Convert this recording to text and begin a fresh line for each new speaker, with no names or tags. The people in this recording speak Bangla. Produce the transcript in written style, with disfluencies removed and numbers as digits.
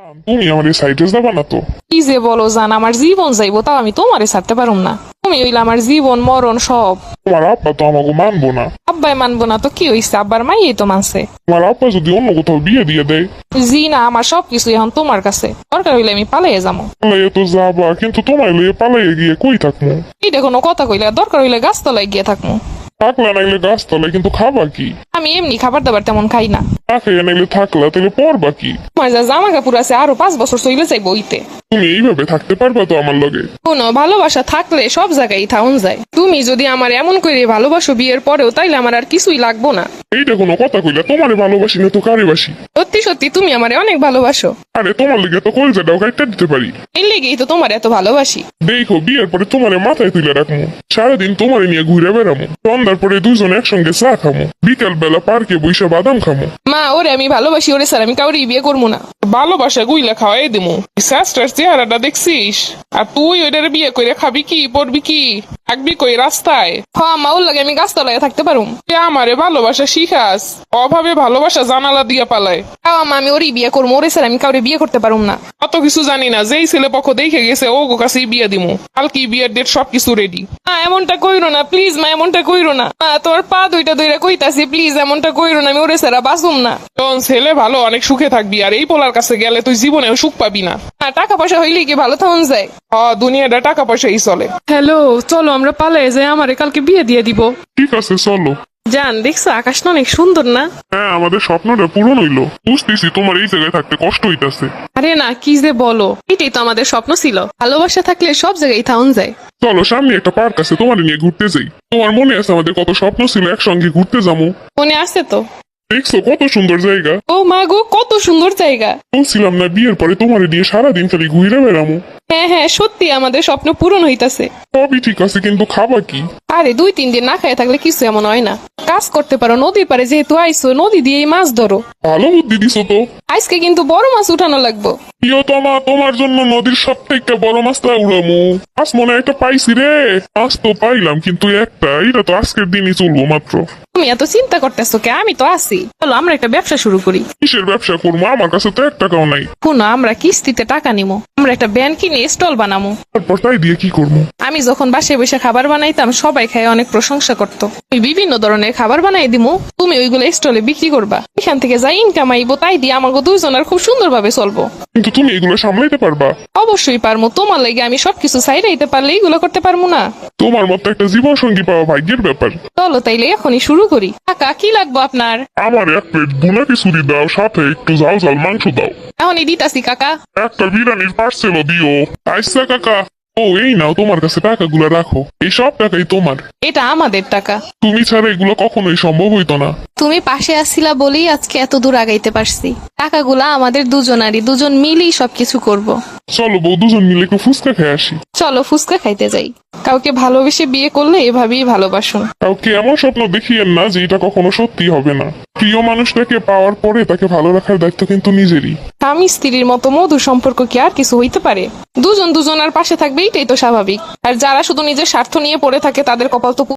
তুমি আমার এই সাইডে যাবা না তো?
কি যে বলো জান, আমার জীবন যাইবো তাও আমি তোমারে ছাড়তে পারুম না। তুমি হইলে আমার জীবন মরণ সব।
তোমার আব্বা তো আমাকে মানবো না।
আব্বাই মানবো না তো কি হইছে, আব্বার মাইই তো মানছে।
তোমার আব্বা যদি অন্য কোথাও বিয়ে দিয়ে দেয়?
জি না, আমার সবকিছু এখন তোমার কাছে, দরকার হইলে আমি পালাইয়ে যাবো।
পালাইয়ে তো যাবা, কিন্তু তোমার লইয়ে পালাইয়ে গিয়ে কই থাকবো?
এইটা কোনো কথা কইলে, দরকার হইলে গাছতলায় গিয়ে থাকবো।
থাকলা নাইলে গাছতলায়, কিন্তু খাবা কি?
আমি এমনি খাবার দাবার তেমন খাই না।
না খেয়ে নাইলে থাকলা, তাহলে পড়বা কি?
তোমার যা জামা কাপড় আছে আরো 5 বছর চলে যাইবো ওইতে।
তুমি এইভাবে থাকতে পারবা তো আমার লগে?
কোনো ভালোবাসা থাকলে সব জায়গায় থাউন যায়। তুমি যদি আমার এমন করে ভালোবাসো বিয়ের পরেও, তাইলে আমার আর কিছুই লাগবো না।
এইটা কোনো কথা কইলা? তোমারে ভালোবাসি না তো কারে বাসি?
সত্যি সত্যি তুমি আমারে অনেক ভালোবাসো।
আরে তোমার লগে তো কলজাটাও কাটতে দিতে পারি।
এই লেগেই তো তোমার এত ভালোবাসি।
দেখো, বিয়ের পরে তোমারে মাথায় তুলে রাখবো, সারাদিন তোমারে নিয়ে ঘুরে বেড়ামো, সন্ধ্যার পরে দুজন একসঙ্গে চা খামো, বিকাল বেলা পার্কে বইসা বাদাম খামো।
মা, ওরে আমি ভালোবাসি, ওরে স্যার আমি কাউরে বিয়ে করবো না।
ভালোবাসা গুইলা খাওয়াই দিমু। শাস্ত্রের চেহারাটা দেখছিস? আর তুই ওইটারে বিয়ে করে খাবি কি, পড়বি কি, থাকবি কই রাস্তায়?
হ্যাঁ মা, ওর লাগে আমি গাছতলায় থাকতে পারুম।
তুই আমারে ভালোবাসা শিখাস, অভাবে ভালোবাসা জানালা দিয়া পালায়।
তাও মা, আমি ওরই বিয়ে করবো, ওরে স্যার আমি কাউরে বিয়ে করতে পারুম না।
অত কিছু জানি না, যেই ছেলে পক্ষ দেখে গেছে ও কাছেই বিয়ে দিমু। কালকে বিয়ের ডেট সবকিছু রেডি।
মা এমনটা কইরো না প্লিজ, মা এমনটা কইরো না। মা তোমার পা দুইটা দুইটা কইতাছি, প্লিজ এমনটা কইরো না, আমি ওরে স্যার বাঁচুম না।
তোর ছেলে ভালো, অনেক সুখে থাকবি, আর এই পোলার কাছে গেলে তুই জীবনেও সুখ পাবি না।
টাকা পয়সা হইলে কি ভালো থাকুন যায়?
দুনিয়াটা টাকা পয়সাই চলে।
হ্যালো, চলো আমরা পালাই যাই, আমারে কালকে বিয়ে দিয়ে দিব।
ঠিক আছে, চলো।
জান দেখছো আকাশটা অনেক সুন্দর না?
হ্যাঁ, আমাদের স্বপ্নটা পূরণ হইলো। বুঝতেছি তোমার এই জায়গায় থাকতে কষ্ট হইতাছে।
আরে না, কি যে বলো, এটাই তো আমাদের স্বপ্ন ছিল। ভালোবাসা থাকলে সব জায়গায় থাউন যায়।
চলো, সামনে একটা পার্ক আছে, তোমার নিয়ে ঘুরতে যাই। তোমার মনে আছে আমাদের কত স্বপ্ন ছিল একসঙ্গে ঘুরতে যাবো?
মনে আছে তো?
দেখছো কত সুন্দর জায়গা?
ও মা গো, কত সুন্দর জায়গা।
বলছিলাম না বিয়ের পরে তোমার নিয়ে সারাদিন খালি ঘুরে বেড়ামো।
হ্যাঁ হ্যাঁ, সত্যি আমাদের স্বপ্ন পূরণ হইতাছে।
সবই ঠিক আছে, কিন্তু খাবা কি?
আরে 2-3 দিন না খাইয়ে থাকলে কিছু এমন হয় না। কাজ করতে পারো, নদীর পারে যেহেতু আইসো, নদী দিয়েই মাছ ধরো।
ভালো বুদ্ধি দিছো তো।
আজকে কিন্তু বড় মাছ উঠানো লাগবো।
প্রিয়তমা, তোমার জন্য নদীর সব থেকে বড় মাছটা উড়ামু। মাছ মনে হয় একটা পাইছি রে। মাছ তো পাইলাম, কিন্তু একটা, এটা তো আজকের দিনই চলবো মাত্র।
তুমি এত চিন্তা করতেছো কে? আমি তো আছি, চলো আমরা একটা ব্যবসা শুরু করি।
কিসের ব্যবসা করবো? আমার কাছে তো 1 টাকাও নাই।
শুনো, আমরা কিস্তিতে টাকা নিবো, আমরা একটা ব্যান কিনে স্টল বানাবো।
তারপর তাই দিয়ে কি করবো?
আমি যখন বাসায় বসে খাবার বানাইতাম, সবাই খায় অনেক প্রশংসা করতো। আমি বিভিন্ন ধরনের খাবার বানাই দিমু, তুমি ওইগুলো স্টলে বিক্রি করবা। এখান থেকে যা ইনকাম আইবো তাই দিয়ে আমাকে দুইজনের খুব সুন্দরভাবে চলবো।
কিন্তু তুমি এগুলো সামলাইতে পারবা?
অবশ্যই পারমু, তোমার লাগে আমি সবকিছু সাইডাইতে পারলে এগুলো করতে পারবো না?
তোমার মতো একটা জীবন সঙ্গী পাওয়া ভাগ্যের ব্যাপার।
চলো তাইলে এখনই শুরু করি। কাকা, কি লাগবো আপনার?
আমার 1 প্লেট ভুনা খিচুড়ি দাও, সাথে একটু ঝাল ঝাল মাংস দাও।
এখনই দিতাছি কাকা।
একটা বিরিয়ানির পার্সেলও দিও। আচ্ছা কাকা। ও, এই নাও, তোমার কাছে টাকাগুলো রাখো। এই সব টাকাই তোমার।
এটা আমাদের টাকা।
তুমি ছাড়া এগুলো কখনোই সম্ভব হইতো না।
তুমি পাশে আসছিলা বলেই আজকে এত দূর আগাইতে পারছি। টাকাগুলা আমাদের দুজনারই, দুজন মিলেই সবকিছু করব।
চলো বউ, দুজন মিলে একটু ফুচকা খেয়ে আসি।
চলো ফুচকা খাইতে যাই। কাউকে ভালোবেসে বিয়ে করলে এভাবেই ভালোবাসুন।
কাউকে এমন স্বপ্ন দেখিয়েন না যে এটা কখনো সত্যি হবে না। প্রিয় মানুষটাকে পাওয়ার পরে তাকে ভালো রাখার দায়িত্ব কিন্তু নিজেরই।
স্বামী স্ত্রীর মতো মধুর সম্পর্ক কি আর কিছু হইতে পারে? দুজন দুজনার পাশে থাকবে, এটাই তো স্বাভাবিক। আর যারা শুধু নিজের স্বার্থ নিয়ে পড়ে থাকে তাদের কপাল তো